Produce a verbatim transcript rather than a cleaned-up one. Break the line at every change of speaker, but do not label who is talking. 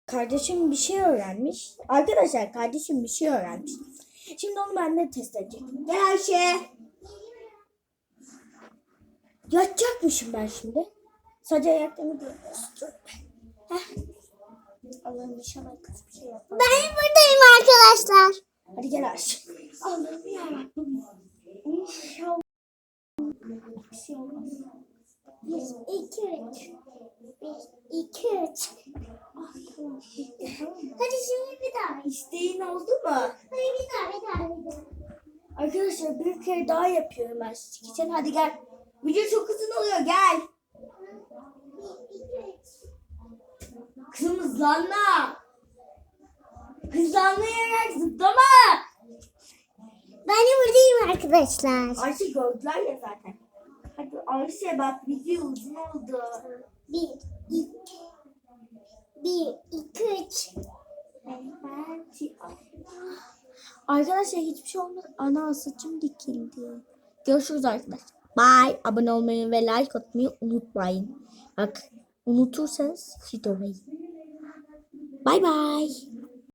Kardeşim bir şey öğrenmiş. Arkadaşlar kardeşim bir şey öğrenmiş. Şimdi onu ben de test edeceğim. Gel Ayşe. Yatacakmışım ben şimdi. Sadece ayaklarımı görüyorsun. Heh. Allah'ım inşallah kötü bir şey yapmam.
Ben buradayım arkadaşlar.
Hadi gel Ayşe. Allah'ım yarabbim. İnşallah bir şey olmaz.
Bir, iki, üç. Bir, iki, üç.
Ah, tamam.
Hadi şimdi bir daha.
İsteğin oldu mu?
Hadi bir daha, bir daha, bir daha.
Arkadaşlar bir kere daha yapıyorum ben sizin için. Hadi gel. Video çok uzun oluyor. Gel.
Bir, iki, üç.
Kızım hızlanma. Hızlanmayarak zıplama.
Ben de buradayım arkadaşlar.
Ayşe gördüler ya zaten. Hadi Ayşe bak video uzun oldu.
Bir, iki. Bir, iki, üç.
Arkadaşlar hiçbir şey olmadı. Ana saçım dikildi. Görüşürüz arkadaşlar. Bye. Abone olmayı ve like atmayı unutmayın. Bak unutursanız story. Bye bye.